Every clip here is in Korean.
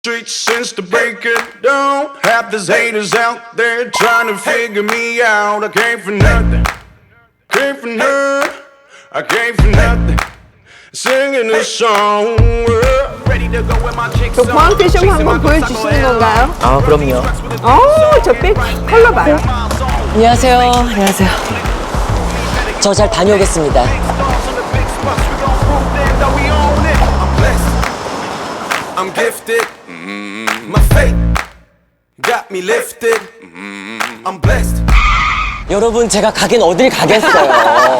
Streets since the break of dawn. Half these haters out there trying to figure me out. I came for nothing, came for none. I came for nothing. Singing this song. Ready to go with my chicks on. 포항태쇼 한번 보여주시는 건가요? 아, 그럼요. 저 백 컬러 봐요. 안녕하세요. 안녕하세요. 저 잘 다녀오겠습니다. I'm gifted. My faith got me lifted. I'm blessed. 여러분, 제가 가긴 어딜 가겠어요.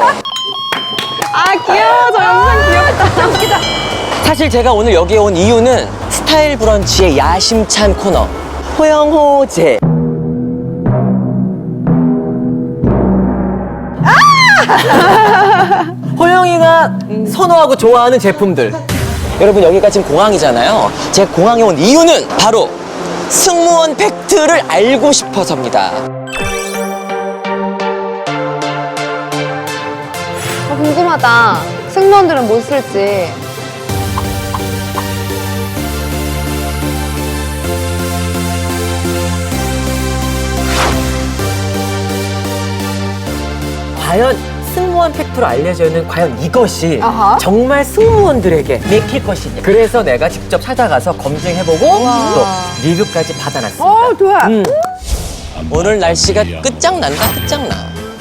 아 귀여워. 저 영상 귀엽다. 웃기다. 사실 제가 오늘 여기에 온 이유는 스타일 브런치의 야심찬 코너 호영호제. 호영이가 선호하고 좋아하는 제품들. 여러분, 여기가 지금 공항이잖아요. 제가 공항에 온 이유는 바로 승무원 팩트를 알고 싶어서입니다. 궁금하다. 승무원들은 뭐 쓸지. 과연 승무원 팩트로 알려져 있는 과연 이것이 아하. 정말 승무원들에게 맥힐 것이냐. 그래서 내가 직접 찾아가서 검증해보고 또 리뷰까지 받아놨습니다. 좋아. 오늘 날씨가 끝장난다, 끝장나.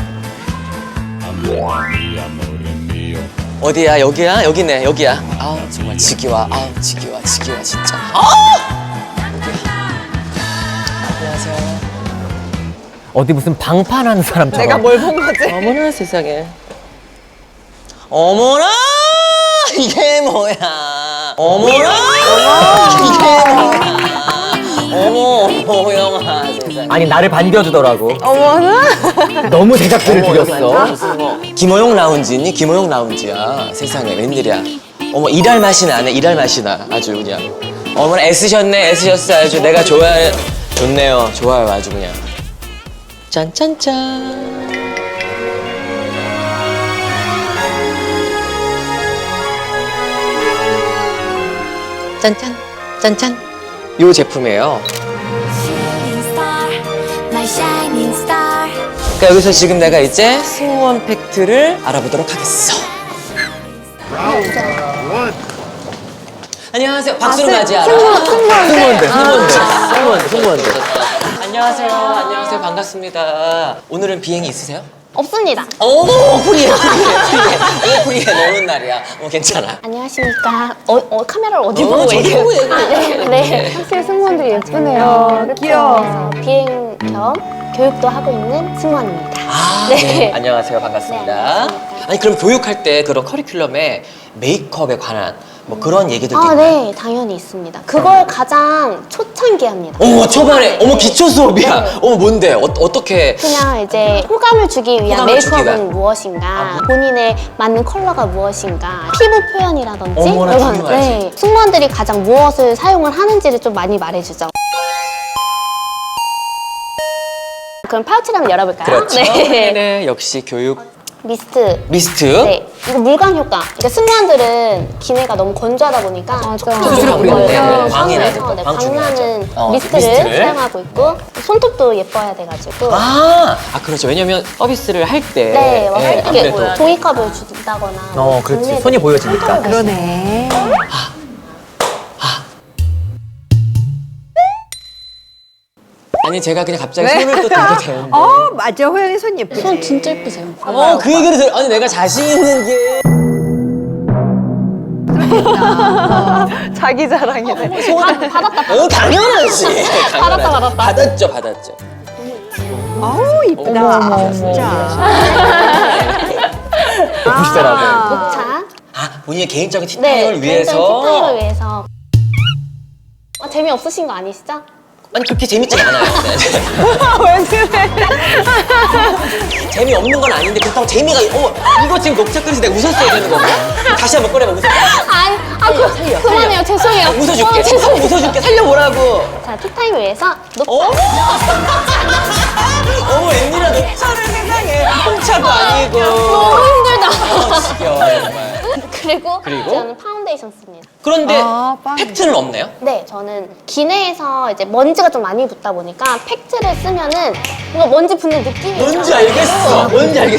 어디야? 여기야? 여기네, 여기야. 아, 정말 지기와, 지기와, 진짜. 여기야. 안녕하세요. 어디 무슨 방판하는 사람처럼. 내가 뭘 본 거지? 어머나 세상에. 어머나 이게 뭐야. 어머나 이게 뭐야. 어머 호영아 세상에. 아니 나를 반겨주더라고. 어머나. 너무 제작비를 들였어. 김호영 라운지니? 김호영 라운지야. 세상에 웬일이야. 어머 일할 맛이 나네. 일할 맛이 나. 아주 그냥. 어머나 애쓰셨네. 애쓰셨어. 아주 내가 좋아해. 좋네요. 좋아요. 아주 그냥. 짠짠짠. 짠짠 짠짠. 요 제품이에요. 그러니까 여기서 지금 내가 이제 승무원 팩트를 알아보도록 하겠어. 안녕하세요. 박수로 맞이하라. 승무원들. 안녕하세요. 반갑습니다. 오늘은 비행이 있으세요? 없습니다. 어머, 프리해. 노는 날이야. 괜찮아. 안녕하십니까. 카메라를 어디 보고 저기 얘기해요? 보고 얘기해. 네. 확실히 승무원들이 예쁘네요. 귀여워. 비행 겸 교육도 하고 있는 승무원입니다. 네. 안녕하세요. 반갑습니다. 네, 안녕하십니까. 아니, 그럼 교육할 때 그런 커리큘럼에 메이크업에 관한 뭐 그런 얘기들도 있나요? 네, 당연히 있습니다. 그걸 가장 초창기에 합니다. 어머, 초반에, 네. 어머, 기초 수업이야. 네. 어머, 뭔데? 어떻게? 그냥 이제 호감을 주기 위한 호감을 주기 메이크업은 위한. 무엇인가, 본인의 맞는 컬러가 무엇인가, 피부 표현이라든지 어머나, 이런, 중요하지. 승무원들이 가장 무엇을 사용을 하는지를 좀 많이 말해주죠. 그럼 파우치를 한번 열어볼까요? 그렇죠. 네. 네, 역시 교육 미스트. 미스트. 이거 물광 효과. 그러니까 승무원들은 기내가 너무 건조하다 보니까 수술을 부리는데 광이 나는 거, 광 광나는 중요하죠. 미스트를 미스트를. 사용하고 있고 손톱도 예뻐야 돼가지고 그렇죠. 왜냐면 서비스를 할 때. 네, 할 때 아무래도. 종이컵을 준다거나 그렇지. 국내에서 손이 보여지니까. 그러네. 아니, 제가 그냥 갑자기 손을 또 들게 되는데. 맞아. 호영이 손 예쁘지. 손 진짜 예쁘세요. 그 얘기를 아니, 내가 자신 있는 게. 자기 자랑이네. 받았다. 당연하지. 받았다. 받았죠. 아우 이쁘다. 진짜. 보시더라고요. 녹차. 본인의 개인적인 네, 티타임을 위해서. 개인적인 티타임을 위해서. 재미없으신 거 아니시죠? 아니, 그렇게 재밌지 않아요. 왜 그래? 재미없는 건 아닌데 그렇다고 재미가 이거 지금 녹차 끓여서 내가 웃었어야 되는 건가? 다시 한번 꺼내봐. 웃어. 그만해요. 죄송해요. 웃어줄게. 죄송해요. 웃어줄게. 살려보라고. 자, 티타임을 위해서 녹차. 어머, 웬일이야. 녹차를 세상에. 홍차도 아니고. 너무 힘들다. 지겨워, 정말. 그리고 그리고? 저는 파운데이션 씁니다. 그런데 아, 빵. 팩트는 없네요? 네, 저는 기내에서 이제 먼지가 좀 많이 붙다 보니까 팩트를 쓰면은 뭔가 먼지 붙는 느낌이 뭔지 있어요. 알겠어. 뭔지 알겠어.